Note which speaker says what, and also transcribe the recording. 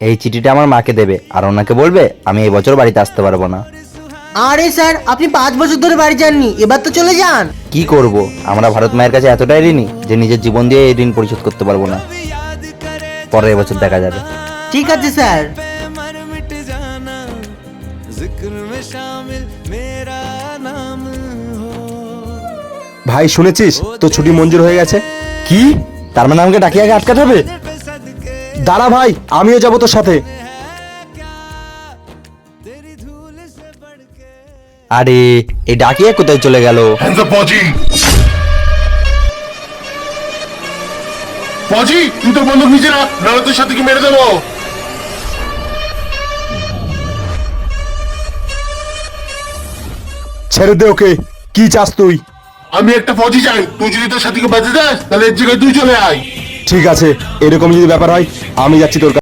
Speaker 1: এই চিঠিটা আমার মাকে দেবে আর ওনাকে বলবে আমি এই বছর বাড়িতে আসতে পারবো না।
Speaker 2: আরে স্যার, আপনি 5 বছর ধরে বাড়ি যাননি, এবার তো চলে যান।
Speaker 1: কি করব, আমরা ভারত মায়ের কাছে এতটাই ঋণী যে নিজের জীবন দিয়ে এই ঋণ পরিশোধ করতে পারবো না। পরের বছর দেখা যাবে।
Speaker 2: ঠিক আছে স্যার।
Speaker 3: ভাই শুনেছিস, তো ছুটি মঞ্জুর হয়ে গেছে।
Speaker 1: কি? তার মানে আমাকে ডাকিয়ে আগে আটকাতে হবে?
Speaker 3: দাঁড়া ভাই, আমিও যাবো তোর সাথে।
Speaker 1: আরে এই ডাকিয়ে কোথায় চলে গেল?
Speaker 4: Hands up, ফৌজি! ফৌজি, তুই তো বন্দুক নিচে রাখ, নাহলে তোর সাথে কি মেরে দেবো।
Speaker 3: ছেড়ে দে ওকে। কি চাস তুই?
Speaker 4: আমি একটা ফৌজি চাই, তুই যদি তোর সাথীকে বাঁচতে চাস তাহলে এর জায়গায় তুই চলে আয়।
Speaker 3: ঠিক আছে, এরকম যদি ব্যাপার হয় আমি যাচ্ছি তোর কাছে।